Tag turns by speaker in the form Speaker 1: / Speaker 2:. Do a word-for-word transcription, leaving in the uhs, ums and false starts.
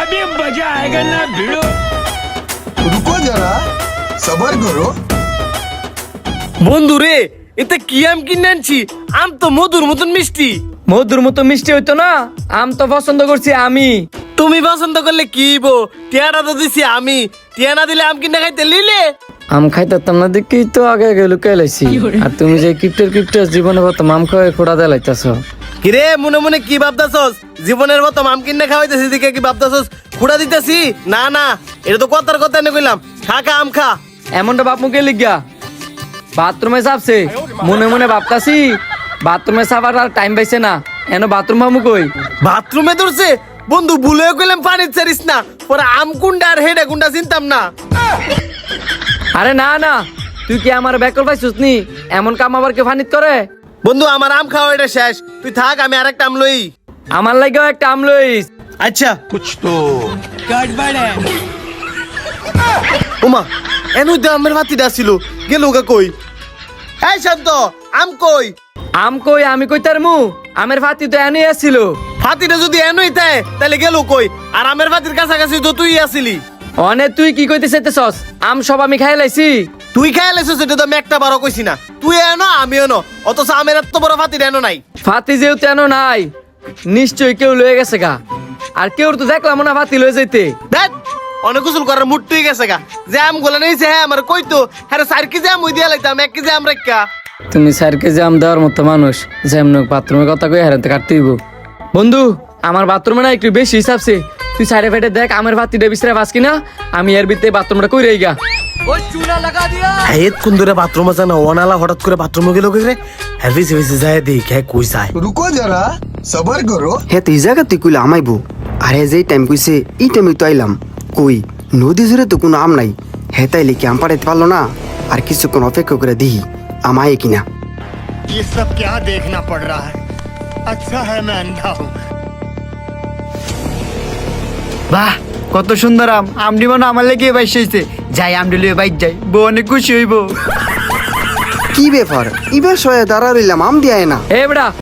Speaker 1: अभी मजा आएगा ना भिड़ो।
Speaker 2: रुको जरा सबर करो।
Speaker 3: বন্ধু রে এতে কি আম কিনে আনছি আম তো মধুর মতন মিষ্টি।
Speaker 4: মধুর মতো মিষ্টি হইতো না, আম তো পছন্দ করছি আমি।
Speaker 3: তুমি পছন্দ করলে কি হইবো, টিয়াটা তো দিছি আমি, টিয়া না দিলে আম কিনে খাইতে লিলে।
Speaker 4: আম খাইতাম না দেখি তো আগে আগে লুকাই লাইছি, আর তুমি যে কিপটের কিপটের জীবনে প্রথম আম খাওয়াই খোড়া দিয়ে লাইতাছ।
Speaker 3: কিরে মনে মনে কি ভাবতাছস, জীবনের মতো আম কিনে খাওয়াইতেছি দিকে কি ভাবতাছস খুঁড়া দিতেছি? না না, এটা তো কথার কথা এনে কইলাম, খা খা আম খা।
Speaker 4: এমনটা বাপ মুখে লিখা বাথরুমে চাপছে, মনে মনে ভাবতাছি বাথরুমে চাপার আর টাইম পাইছে না, এন বাথরুম ভাবু কই।
Speaker 3: বাথরুমে ধরছে বন্ধু, ভুলেও কইলাম পানি ছাড়িস না, পরে আম কুন্ডা আর হেডা কুন্ডা চিনতাম না।
Speaker 4: আরে না না, তুই কি আমার ব্যাকল পাইছিস নি? এমন কাম আবার কেউ ফানিত করে?
Speaker 3: বন্ধু আমার আম খাওয়া এটা শেষ, তুই থাক আমি আরেকটা আম লই।
Speaker 4: আমার লাগেও একটা আম লইস।
Speaker 3: আচ্ছা
Speaker 2: कुछ तो
Speaker 3: ওমা এনু দে আমের ভাতিটা ছিল, গেল গা কই? এই শান্ত, আম কই?
Speaker 4: আম কই আমি কই তার মু, আমের ফাতি তো এনে আসছিল।
Speaker 3: ফাতিটা যদি এনুই তাই তাহলে গেল কই? আর আমের ভাতির কাছাকাছি তো তুই আসিলি।
Speaker 4: অনে তুই কি কইতে চাইতেছস? আম সব আমি খাই লাইছি।
Speaker 3: তুই খাই লাইছিস এটা তো আমি একটা বারো কইছি না, তুই এনো আমি এনো, অথচ আমের এত বড় ফাতিটা এনো নাই।
Speaker 4: ফাতি যেহেতু এনো নাই, নিশ্চয়ই কেউ লয়ে গেছে গা, আর কেউ তো দেখলাম না ফাতি লয়ে যাইতে।
Speaker 3: দেখ অনেক গোসল করার মুড তুই গেছে গা, যে আম গোলা নিয়েছে হ্যাঁ আমার কইতো হ্যাঁ চার কেজি আম ওই দিয়া লাইতাম, এক কেজি আম রেখা।
Speaker 4: তুমি স্যার কেজি আম দেওয়ার মতো মানুষ, যেমন বাথরুমের কথা কই হারাতে কাটতে হইব। বন্ধু আমার বাথরুমে না একটু বেশি হিসাবছে, তুই সাইডে ফেটে দেখ আমের ভাতিটা বিছরে পাস কিনা, আমি এর ভিতরে বাথরুমটা কই রই গা।
Speaker 3: হ্যাঁ কোন ধরে বাথরুমে যায় না, ওনালা হঠাৎ করে বাথরুমে গেল কে রে? হ্যাঁ বেশি বেশি যায় দেখ হ্যাঁ কই যায়।
Speaker 2: रुको जरा सबर करो।
Speaker 5: হে তুই জায়গা তুই কইলে আমাইবো, আর হে যেই টাইম কইছে এই টাইমে তো আইলাম। কই নদী জুড়ে তো কোনো আম নাই, হে তাইলে কি আম পাড়াইতে পারলো না? আর কিছুক্ষণ অপেক্ষা করে দিহি আম আয় কিনা।
Speaker 6: ये सब क्या देखना पड़ रहा है? अच्छा है मैं अंधा हूँ।
Speaker 7: বাহ কত সুন্দর আম, আমডি মনে আমার লেগে বাইশ হয়েছে, যাই আমডি লিয়ে বাইক যাই, বউ অনেক খুশি হইব।
Speaker 5: কি ব্যাপার এবার সয়ে দাঁড়া রইলাম আম দিয়ে না।
Speaker 4: এ বেড়া